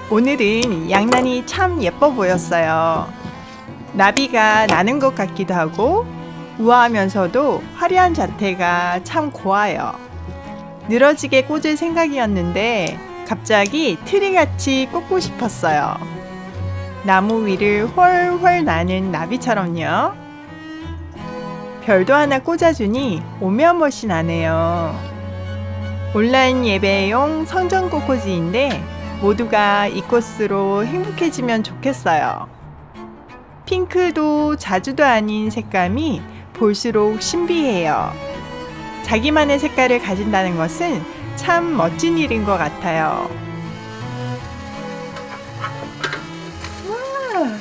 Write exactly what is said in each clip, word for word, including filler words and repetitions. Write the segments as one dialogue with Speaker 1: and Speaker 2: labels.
Speaker 1: 오늘은 양난이 참 예뻐 보였어요. 나비가 나는 것 같기도 하고 우아하면서도 화려한 자태가 참 고와요. 늘어지게 꽂을 생각이었는데 갑자기 트리같이 꽂고 싶었어요. 나무 위를 훨훨 나는 나비처럼요. 별도 하나 꽂아주니 오며멋이 나네요. 온라인 예배용 성전 꽃꽂이인데 모두가 이 꽃으로 행복해지면 좋겠어요. 핑크도 자주도 아닌 색감이 볼수록 신비해요. 자기만의 색깔을 가진다는 것은 참 멋진 일인 것 같아요. 와.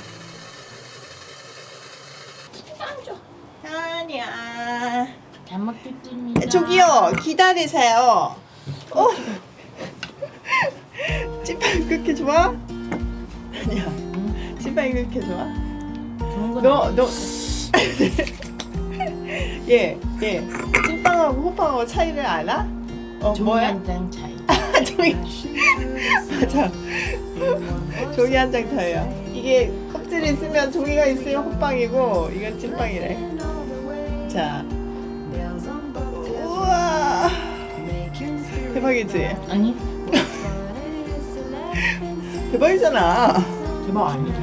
Speaker 1: 아니야.
Speaker 2: 잘 먹겠습니다.
Speaker 1: 저기요, 기다리세요. 어? 찐빵이 그렇게 좋아? 아니야. 찐빵이 그렇게 좋아? 너, 너. 예, 예. 찐빵하고 호빵하고 차이를 알아? 어,
Speaker 2: 종이
Speaker 1: 뭐야?
Speaker 2: 한 장 차이.
Speaker 1: 아, 종이. 맞아. 종이 한 장 차이야. 이게 껍질이 있으면 종이가 있으면 호빵이고 이건 찐빵이래. 자. 우와. 대박이지?
Speaker 2: 아니
Speaker 1: 대박이잖아.
Speaker 2: 대박 아니래.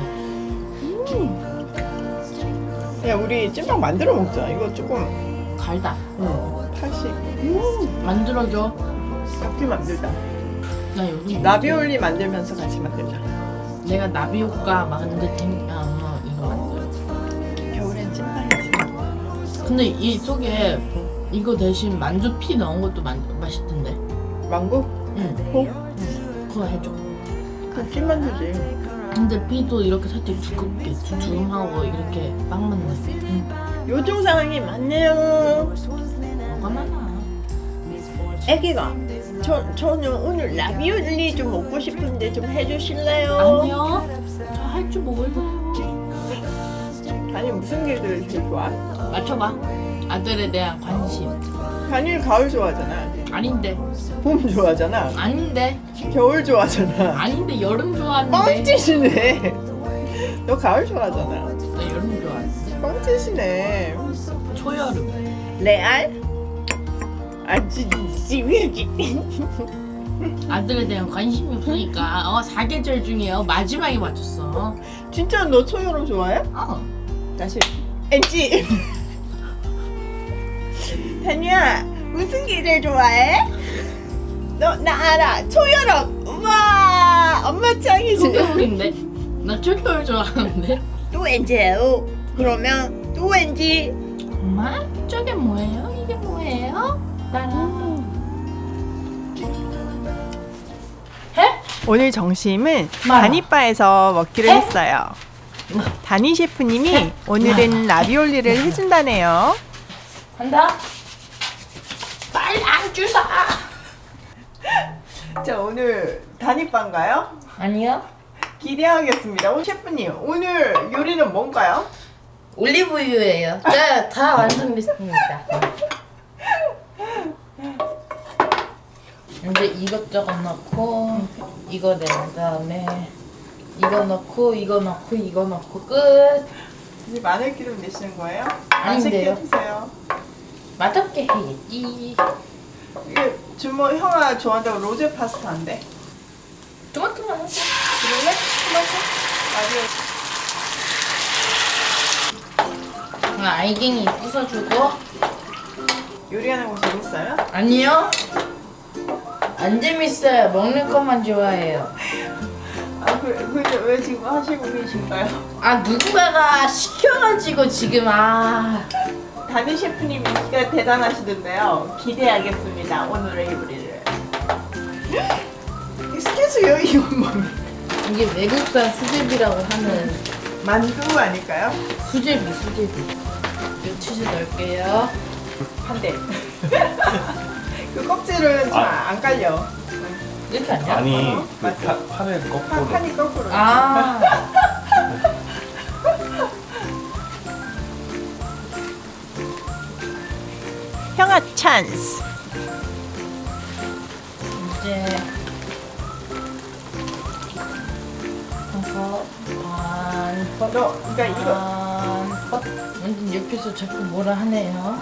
Speaker 1: 야, 우리 찐빵 만들어 먹자. 이거 조금
Speaker 2: 갈다.
Speaker 1: 응, 팔십. 음,
Speaker 2: 만들어줘.
Speaker 1: 같이 만들자.
Speaker 2: 나 여기
Speaker 1: 라비올리 만들면서 같이 만들자.
Speaker 2: 내가 나비 효과 만들 테니까 엄마 이거 만들어.
Speaker 1: 겨울엔 찐빵이지.
Speaker 2: 근데 이 속에 이거 대신 만두 피 넣은 것도 만, 맛있던데.
Speaker 1: 망고?
Speaker 2: 응.
Speaker 1: 호?
Speaker 2: 그거 해줘.
Speaker 1: 그 찐만두지.
Speaker 2: 근데 피도 이렇게 살짝 두껍게 두툼하고 이렇게 빵 맛나. 응.
Speaker 1: 요즘 상황이 많네요.
Speaker 2: 뭐가 많아.
Speaker 1: 애기가 저, 저는 오늘 라비올리 좀 먹고 싶은데 좀 해주실래요?
Speaker 2: 아니요. 저 할 줄 몰라요.
Speaker 1: 아니, 무슨 계절 제일 좋아?
Speaker 2: 맞춰봐. 아들에 대한 관심.
Speaker 1: 단일 가을 좋아하잖아.
Speaker 2: 아닌데.
Speaker 1: 봄 좋아하잖아.
Speaker 2: 아닌데.
Speaker 1: 겨울 좋아하잖아.
Speaker 2: 아닌데 여름 좋아하는데.
Speaker 1: 뻥치시네. 너 가을 좋아하잖아.
Speaker 2: 나 여름 좋아하는데.
Speaker 1: 뻥치시네.
Speaker 2: 초여름.
Speaker 1: 레알? 아, 지, 지, 지.
Speaker 2: 아들에 대한 관심이 없으니까 어 사계절 중에 어, 마지막에 맞췄어.
Speaker 1: 진짜 너 초여름 좋아해?
Speaker 2: 어.
Speaker 1: 다시. 엔지. 다니야, 무슨 계절 좋아해? 너 나 알아. 초여름. 우와, 엄마 짱이지.
Speaker 2: 초겨울인데. 나 초겨울 좋아하는데.
Speaker 1: 또 엔지예요. 그러면 또 엔지.
Speaker 2: 엄마 저게 뭐예요? 이게 뭐예요? 따라. 해?
Speaker 1: 오늘 점심은
Speaker 2: 마라.
Speaker 1: 다니바에서 먹기로
Speaker 2: 해?
Speaker 1: 했어요. 다니 셰프님이 오늘은 라비올리를 해준다네요.
Speaker 2: 간다. 빨리 안 주사.
Speaker 1: 자, 오늘 다니바인가요?
Speaker 2: 아니요.
Speaker 1: 기대하겠습니다. 오 셰프님, 오늘 요리는 뭔가요?
Speaker 2: 올리브유예요. 네, 다 완성됐습니다. 이제 이것저것 넣고 이거 낸 다음에 이거 넣고 이거 넣고 이거 넣고 끝.
Speaker 1: 이제 마늘기름 내시는 거예요?
Speaker 2: 아닌데요.
Speaker 1: 맛있게 해주세요.
Speaker 2: 맛없게 해야지.
Speaker 1: 이게 주모 형아 좋아한다고 로제 파스타인데.
Speaker 2: 토마토만 하자.
Speaker 1: 그럴래? 토마토?
Speaker 2: 아, 알갱이 부숴주고.
Speaker 1: 라디오 요리하는 거 재밌어요?
Speaker 2: 아니요. 안 재밌어요. 먹는 것만 좋아해요.
Speaker 1: 아, 그, 그, 왜 지금 하시고 계신가요?
Speaker 2: 아, 누군가가 시켜가지고 지금 아.
Speaker 1: 다니 셰프님이 진짜 대단하시던데요. 기대하겠습니다. 오늘의 요리를. 스케줄요 이건 뭐?
Speaker 2: 이게 외국산 수제비라고 하는
Speaker 1: 만두 아닐까요?
Speaker 2: 수제비 수제비. 이 치즈 넣을게요.
Speaker 1: 한 대. 그 껍질은 잘
Speaker 3: 아.
Speaker 1: 안 깔려.
Speaker 2: 이렇게 아니야?
Speaker 3: 아니
Speaker 1: 어?
Speaker 3: 그
Speaker 1: 맞죠?
Speaker 3: 파, 판을
Speaker 1: 판,
Speaker 3: 거꾸로
Speaker 1: 판이 거꾸로.
Speaker 2: 아.
Speaker 1: 형아 찬스.
Speaker 2: 이제
Speaker 1: 너 그러니까 이거
Speaker 2: 아, 컷. 완전 옆에서 자꾸 뭐라 하네요.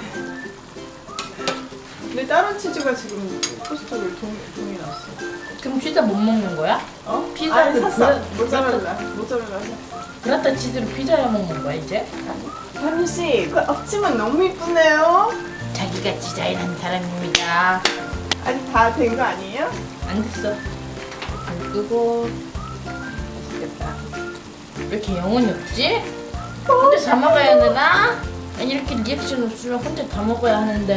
Speaker 1: 근데 다른 치즈가 지금 포스터를 동, 동이 났어.
Speaker 2: 그럼 피자 못 먹는 거야?
Speaker 1: 어?
Speaker 2: 피자를
Speaker 1: 아니, 샀어.
Speaker 2: 브라-
Speaker 1: 모짜렐라. 모짜렐라.
Speaker 2: 브라타 치즈로 피자야 먹는 거야 이제?
Speaker 1: 현우 씨, 그 앞치마 너무 이쁘네요.
Speaker 2: 자기가 디자인한 사람입니다.
Speaker 1: 아직 다 된 거 아니에요?
Speaker 2: 안 됐어. 불 끄고.
Speaker 1: 맛있겠다.
Speaker 2: 왜 이렇게 영혼이 없지? 혼자 다 먹어야 되나? 아니 이렇게 리액션 없으면 혼자 다 먹어야 하는데.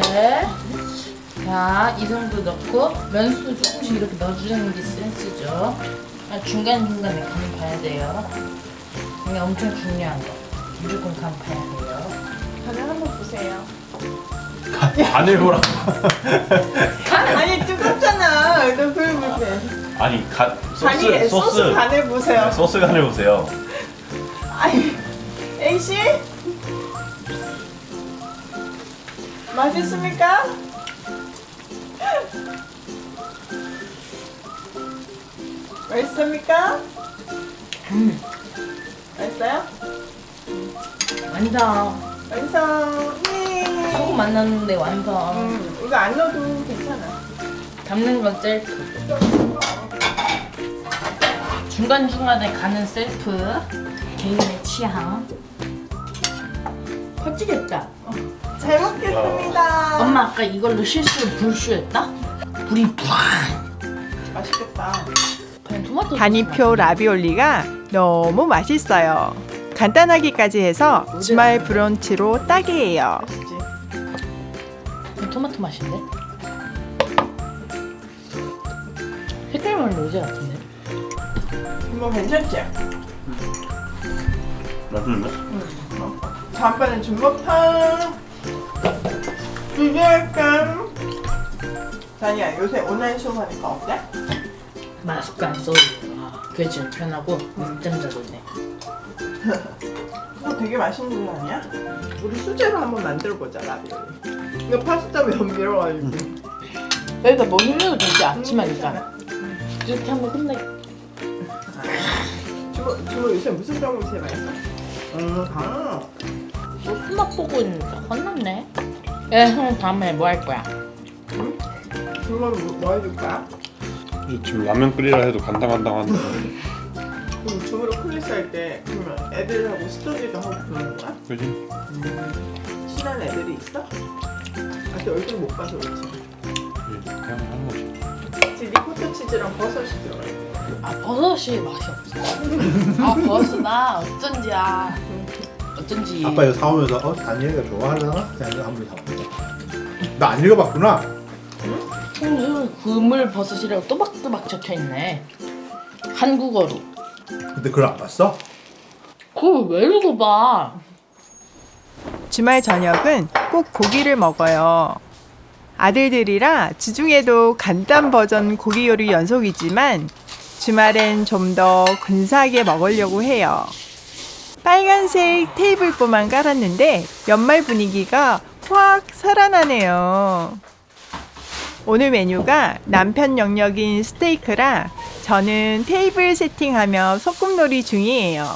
Speaker 2: 자, 이 정도 넣고 면수도 조금씩 이렇게 넣어주는 게 센스죠. 아, 중간중간에 간 봐야 돼요. 이게 엄청 중요한 거. 무조건 간 봐야 돼요.
Speaker 1: 간을 한번 보세요.
Speaker 3: 간을 보라.
Speaker 1: 아니 뜨겁잖아. 너 그걸 못해.
Speaker 3: 아니 간 소스
Speaker 1: 간이 소스,
Speaker 3: 소스
Speaker 1: 간을 보세요.
Speaker 3: 네, 소스 간을 보세요.
Speaker 1: 아니, A 씨 맛있습니까? 맛있습니까?
Speaker 2: 음,
Speaker 1: 맛있어요?
Speaker 2: 완성.
Speaker 1: 완성. 예.
Speaker 2: 소금 안 넣었는데 완성.
Speaker 1: 음, 이거 안 넣어도 괜찮아.
Speaker 2: 담는 건 셀프. 중간중간에 가는 셀프. 개인의 취향. 퍼지겠다.
Speaker 1: 잘 먹겠습니다.
Speaker 2: 엄마 아까 이걸로 실수로 불쇼했다? 불이 푹.
Speaker 1: 맛있겠다.
Speaker 2: 그냥 토마토
Speaker 1: 단이표 라비올리가 너무 맛있어요. 간단하기까지 해서 주말 브런치로 딱이에요.
Speaker 2: 그냥 토마토 맛인데? 색깔만 로제 같은데?
Speaker 1: 이거 괜찮지?
Speaker 3: 맛있는데?
Speaker 1: 다음번엔 중국탕 비교할까? 다니야 요새 온라인 수업하니까 어때?
Speaker 2: 마스크 안 써도 아, 그게 제일 편하고 늦잠 자도 돼.
Speaker 1: 이거 되게 맛있는 거 아니야? 우리 수제로 한번 만들어보자 라비올리. 이거 파스타 면밀어가지고
Speaker 2: 여기다 뭐 힘내도 되지 아침하니까. 이렇게 한번 끝내.
Speaker 1: 주모, 주모 요새 무슨 병을 제일 많이 써? 음, 강.
Speaker 2: 너 수납 보고 있는데 혼났네. 야, 형 다음에 뭐 할 거야?
Speaker 1: 응? 주모는 뭐, 뭐 해줄까?
Speaker 3: 지금 라면 끓이라 해도 간당간당한데.
Speaker 1: 그럼 주모로 클래스 할 때 그러면 애들하고 스터디도 하고 그러는 거야?
Speaker 3: 그지?
Speaker 1: 음, 친한 애들이 있어? 아직 얼굴 못 봐서 그렇지.
Speaker 3: 그냥 하는 거지.
Speaker 1: 지금 리코타 치즈랑 버섯이 들어가 있어.
Speaker 2: 아 버섯이 맛이 없어. 아 버섯나 어쩐지야. 어쩐지.
Speaker 4: 아빠 이거 사오면서 어? 다니엘이가 좋아하려나? 그냥 이거 한번 사볼게. 나 안 읽어봤구나.
Speaker 2: 음, 그물 버섯이라고 또박또박 적혀 있네. 한국어로.
Speaker 4: 근데 그걸 안 봤어?
Speaker 2: 그걸 왜 읽어봐?
Speaker 1: 주말 저녁은 꼭 고기를 먹어요. 아들들이라 주중에도 간단 버전 고기 요리 연속이지만 주말엔 좀 더 근사하게 먹으려고 해요. 빨간색 테이블보만 깔았는데 연말 분위기가 확 살아나네요. 오늘 메뉴가 남편 영역인 스테이크라 저는 테이블 세팅하며 소꿉놀이 중이에요.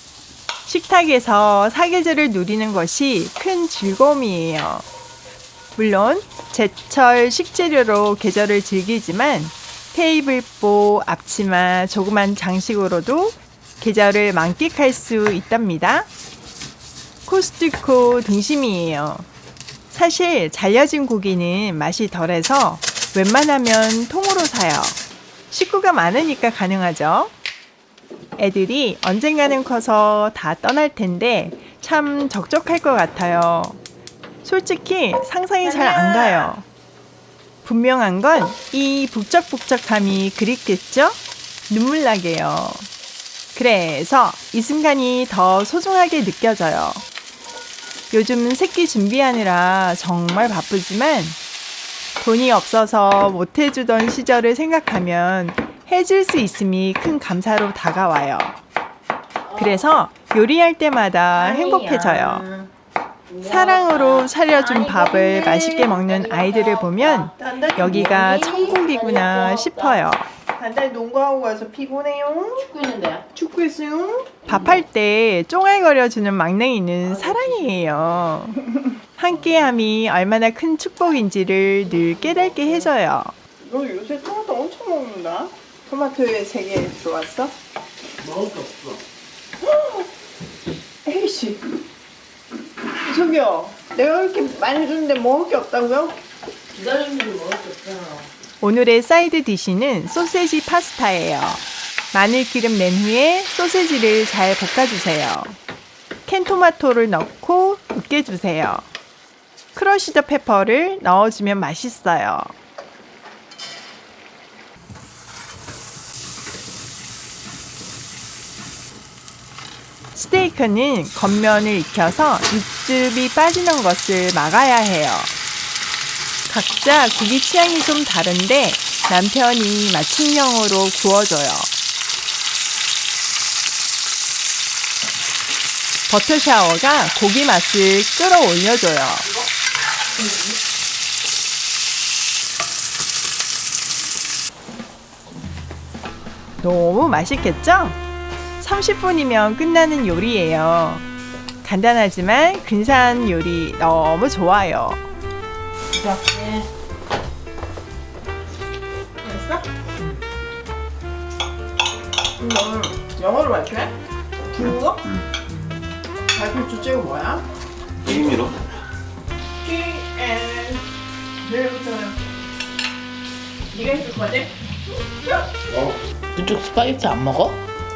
Speaker 1: 식탁에서 사계절을 누리는 것이 큰 즐거움이에요. 물론 제철 식재료로 계절을 즐기지만 테이블보, 앞치마, 조그만 장식으로도 계절을 만끽할 수 있답니다. 코스트코 등심이에요. 사실 잘려진 고기는 맛이 덜해서 웬만하면 통으로 사요. 식구가 많으니까 가능하죠. 애들이 언젠가는 커서 다 떠날 텐데 참 적적할 것 같아요. 솔직히 상상이 잘 안 가요. 분명한 건 이 북적북적함이 그립겠죠? 눈물 나게요. 그래서 이 순간이 더 소중하게 느껴져요. 요즘 새끼 준비하느라 정말 바쁘지만 돈이 없어서 못 해주던 시절을 생각하면 해줄 수 있음이 큰 감사로 다가와요. 그래서 요리할 때마다 행복해져요. 사랑으로 차려준 밥을 맛있게 먹는 아이들을 보면 여기가 천국이구나 싶어요. 간단히 농구하고 와서 피곤해요.
Speaker 2: 찍고 있는데.
Speaker 1: 축구했어요? 밥할 때 쫑알거려주는 막냉이는 사랑이에요. 함께함이 얼마나 큰 축복인지를 늘 깨닫게 해줘요. 너 요새 토마토 엄청 먹는다. 토마토에 세 개 들어왔어?
Speaker 2: 먹을 게 없어.
Speaker 1: 에이씨. 저기요. 내가 이렇게 많이 줬는데 먹을 게 없다고요?
Speaker 2: 기다리는 게 먹을 게 없잖아.
Speaker 1: 오늘의 사이드 디시는 소세지 파스타예요. 마늘 기름 낸 후에 소세지를 잘 볶아주세요. 캔 토마토를 넣고 으깨주세요. 크러쉬드 페퍼를 넣어주면 맛있어요. 스테이크는 겉면을 익혀서 육즙이 빠지는 것을 막아야 해요. 각자 고기 취향이 좀 다른데 남편이 맞춤형으로 구워줘요. 버터 샤워가 고기 맛을 끌어올려줘요. 너무 맛있겠죠? 삼십 분이면 끝나는 요리예요. 간단하지만 근사한 요리 너무 좋아요.
Speaker 2: 부탁해.
Speaker 1: 됐어? 너는 영어로 발표해? 중국어? 발표 주제가 뭐야?
Speaker 3: 게임이로?
Speaker 1: P and 내일부터는 네가 해줄 거지?
Speaker 2: 그쪽 스파게티 안 먹어?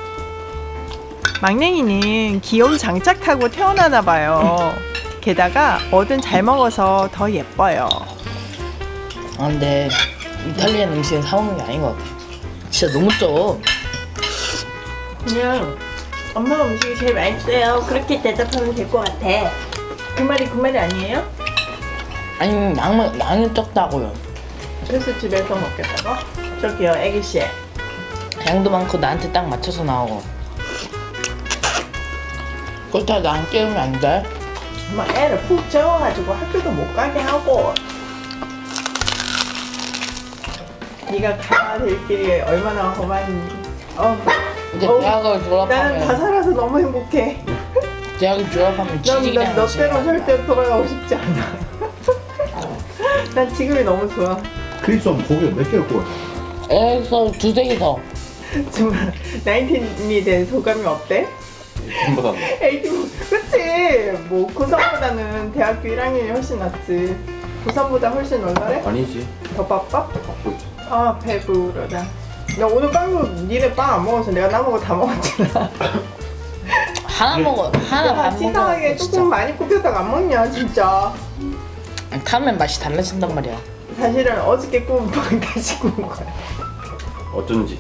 Speaker 1: 막냉이는 기어도 장착하고 태어나나 봐요. 게다가 뭐든 잘 먹어서 더 예뻐요.
Speaker 2: 아 근데 이탈리안 음식은 사 먹는 게 아닌 것 같아. 진짜 너무 쪄.
Speaker 1: 그냥 엄마 음식이 제일 맛있어요. 그렇게 대답하면 될 것 같아. 그 말이 그 말이 아니에요?
Speaker 2: 아니 양은 양이 적다고요.
Speaker 1: 그래서 집에서 먹겠다고? 저기요 애기씨.
Speaker 2: 양도 많고 나한테 딱 맞춰서 나오고. 그렇다고 나 안 깨우면 안 돼?
Speaker 1: 엄마 애를 푹 재워가지고 학교도 못 가게 하고. 네가 가야 될 길이 얼마나 험한지. 어.
Speaker 2: 이제
Speaker 1: 어우,
Speaker 2: 대학을
Speaker 1: 나는 다
Speaker 2: 졸업하면
Speaker 1: 살아서 너무 행복해.
Speaker 2: 대학을 졸업하면
Speaker 1: 난,
Speaker 2: 취직이라는
Speaker 1: 난 너때로
Speaker 2: 것이
Speaker 1: 절대 돌아가고 싶지 않아. 난 지금이 너무 좋아.
Speaker 4: 크리스는 고기를 몇 개를 구워?
Speaker 2: 애에서 두세 개 더.
Speaker 1: 정말 나인틴이 된 소감이 어때?
Speaker 3: 전보다
Speaker 1: 에이틴 그치? 뭐 고삼보다는 대학교 일 학년이 훨씬 낫지. 고삼보다 훨씬 얼마래?
Speaker 3: 아니지.
Speaker 1: 더 바빠?
Speaker 3: 갖고 있지.
Speaker 1: 아 배부르다. 나 오늘 빵도 니네 빵 안 먹어서 내가 남은 거 다 먹었잖아.
Speaker 2: 하나 먹어. 하나
Speaker 1: 야,
Speaker 2: 반
Speaker 1: 치사하게
Speaker 2: 먹어.
Speaker 1: 조금
Speaker 2: 진짜.
Speaker 1: 많이 굽혔다가 안 먹냐 진짜.
Speaker 2: 타면 맛이 달라진단 말이야.
Speaker 1: 사실은 어저께 구운 빵 다시 구운 거야.
Speaker 3: 어쩐지.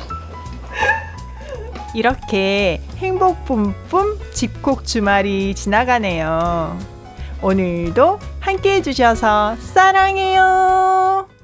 Speaker 1: 이렇게 행복 뿜뿜 집콕 주말이 지나가네요. 오늘도 함께 해주셔서 사랑해요.